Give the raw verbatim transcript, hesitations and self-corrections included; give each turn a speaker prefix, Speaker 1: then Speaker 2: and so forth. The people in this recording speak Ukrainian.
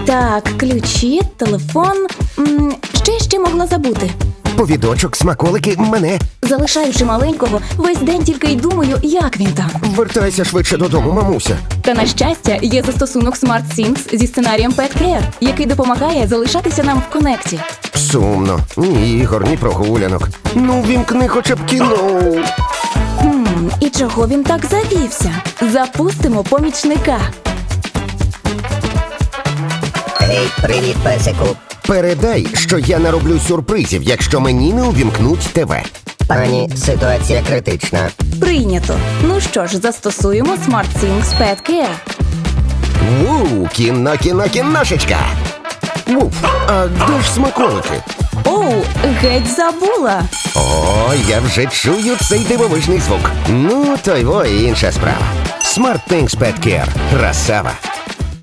Speaker 1: Так, ключі, телефон. М, Що я ще могла забути?
Speaker 2: Повідочок, смаколики, мене.
Speaker 1: Залишаючи маленького, весь день тільки й думаю, як він там.
Speaker 2: Вертайся швидше додому, мамуся.
Speaker 1: Та на щастя, є застосунок SmartThings зі сценарієм Pet Care, який допомагає залишатися нам в конекті.
Speaker 2: Сумно. Ні ігор, ні прогулянок. Ну, вімкни хоча б кіно.
Speaker 1: Хм, і чого він так завівся? Запустимо помічника.
Speaker 3: Гей, привіт, песику.
Speaker 2: Передай, що я нароблю сюрпризів, якщо мені не увімкнуть ТВ.
Speaker 3: Пані, ситуація критична.
Speaker 1: Прийнято. Ну що ж, застосуємо SmartThings Pet Care.
Speaker 2: Ву, кіно, кіно, кіношечка. Вуф, а де ж смаколики?
Speaker 1: Оу, геть забула.
Speaker 2: О, я вже чую цей дивовижний звук. Ну, то й во інша справа. SmartThings Pet Care. Красава.